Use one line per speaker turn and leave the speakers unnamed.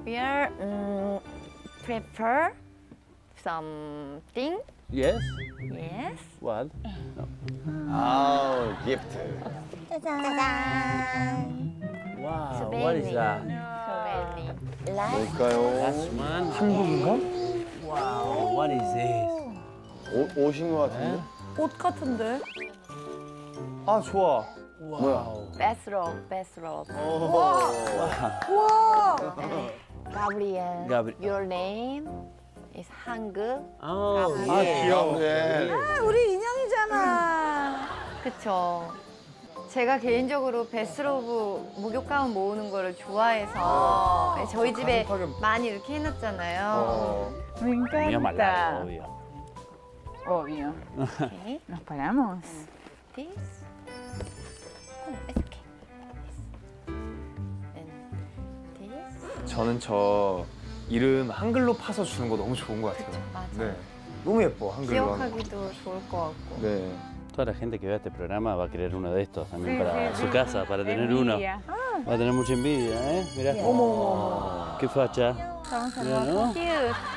We are prepare something.
Yes?
Yes.
What?
아우, 기프트.
짜잔.
Wow, what is that?
Souvenir. Like
뭘까요?
Last one.
한국인가?
Wow, what is this?
옷인 것 같은데?
옷 같은데?
아, 좋아.
Wow.
bathrobe, bathrobe.
우와!
Gabriel. Your name is 한국.
Oh,
아, 귀여워.
네.
아, 우리 인형이잖아.
그쵸. 제가 개인적으로 베스로브 목욕 가운 모으는 거를 좋아해서 저희 집에 많이 이렇게 해놨잖아요.
Me
Muy
encanta.
amalgado, obvio.
Obvio.
Okay.
Nos paramos.
This. Oh, it's okay. And this.
저는 저 이름 한글로 파서 주는 거 너무 좋은 것 같아요.
맞아.
네. 너무 예뻐, 한글로 하는 거.
기억하기도 좋을 것 같고.
네.
Toda la gente que vea este programa va a querer uno de estos también
Sí,
para
sí,
su
sí.
casa, para tener uno.
Envidia.
Va a tener mucha envidia, ¿eh? Mirá. Qué facha.
Vamos a
Mira, ¿no?
Cute.